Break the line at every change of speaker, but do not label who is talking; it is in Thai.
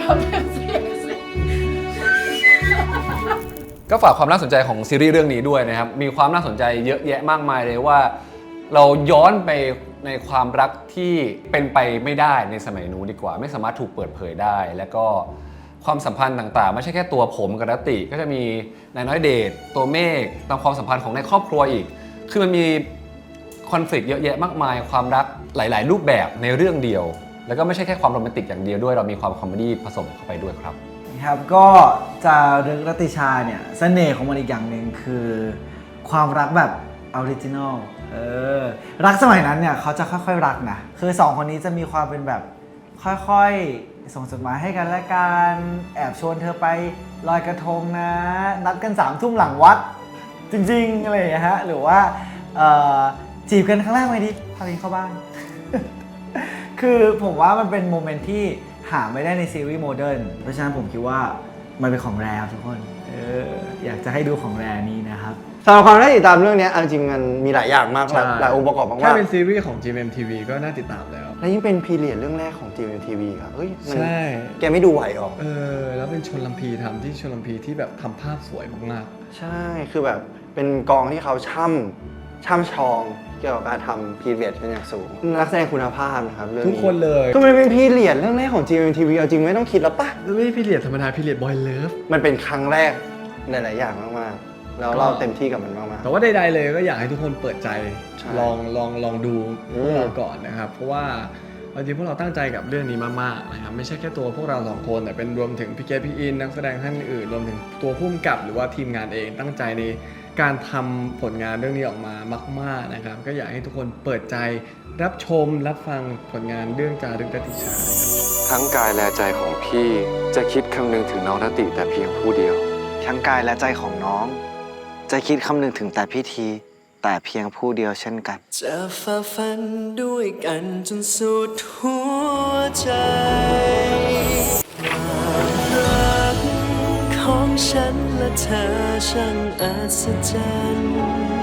ก็ฝากความน่าสนใจของซีรีส์เรื่องนี้ด้วยนะครับมีความน่าสนใจเยอะแยะมากมายเลยว่าเราย้อนไปในความรักที่เป็นไปไม่ได้ในสมัยนู้นดีกว่าไม่สามารถถูกเปิดเผยได้แล้วก็ความสัมพันธ์ต่างๆไม่ใช่แค่ตัวผมกับรัตติก็จะมีนายน้อยเดชตัวเมฆตามความสัมพันธ์ของในครอบครัวอีกคือมันมีคอนฟ lict เยอะแยะมากมายความรักหลายๆรูปแบบในเรื่องเดียวแล้วก็ไม่ใช่แค่ความโรแมนติกอย่างเดียวด้วยเรามีความคอมเมดี้ผสมเข้าไปด้วยครับ
ครับก็จะเรื่องรัตติชาเนี่ยเสน่ห์ของมันอีกอย่างหนึ่งคือความรักแบบออริจินอลรักสมัยนั้นเนี่ยเขาจะค่อยๆรักนะคือสองคนนี้จะมีความเป็นแบบค่อยๆส่งจดหมายให้กันและกันแอบชวนเธอไปลอยกระทงนะนัดกัน3 ทุ่มหลังวัดจริงๆอะไรอย่างเงี้ยฮะหรือว่าจีบกันครั้งแรกไงดิพาไปเข้าบ้าน คือผมว่ามันเป็นโมเมนต์ที่หาไม่ได้ในซีรีส์โมเดิร์นเพราะฉะนั้นผมคิดว่ามันเป็นของแรครับทุกคนอยากจะให้ดูของแรนี้นะครับ
สำหรับความน่าติดตามเรื่องนี้จริงๆมันมีหลายอย่างมากหลายองค์ประกอบมากๆ
แค่เป็นซีรีส์ของ GMMTV ก็น่าติดตามแล้ว
และยิ่งเป็นพีเรียดเรื่องแรกของ GMMTV ครับเฮ้ยมัน
ใช่
แกไม่ดูไหวหรอ
แล้วเป็นชลพีทำที่ชลพีที่แบบทำภาพสวยมาก
ๆใช่คือแบบเป็นกองที่เขาช่ำชองเกี่ยวกับการทำพีเรียดเป็นอย่างสูงนักแสดงคุณภาพนะครับเรื่องนี้
ทุกคนเลย
ก็มันเป็นพีเรียดเรื่องแรกของ GMMTV เอาจริงไม่ต้องคิดแล้วปะ
แล้วไม่ใช่พีเรียดธรรมดาพีเรียดบอยเลิฟ
มันเป็นครั้งแรกหลายๆอย่างมากๆแล้วเราเต็มที่กับมันมากๆ
แต่ว่าใดๆเลยก็อยากให้ทุกคนเปิดใจลองดูพวกเราก่อนนะครับเพราะว่าจริงพวกเราตั้งใจกับเรื่องนี้มากๆนะครับไม่ใช่แค่ตัวพวกเรา2 คนแต่เป็นรวมถึงพี่เกดพี่อินนักแสดงท่านอื่นรวมถึงตัวผู้กำกับหรือว่าทีมงานเองตั้งใจในการทำผลงานเรื่องนี้ออกมามากๆนะครับก็อยากให้ทุกคนเปิดใจรับชมรับฟังผลงานเรื่องจารึกรัตติชา
ทั้งกายและใจของพี่จะคิดคำนึงถึงน้องรัตติแต่เพียงผู้เดียว
ทั้งกายและใจของน้องจะคิดคำนึงถึงแต่พิธีแต่เพียงผู้เดียวเช่นกัน
จะฝ่าฟันด้วยกันจนสุดหัวใจความรักของฉันและเธอช่างอัศจรรย์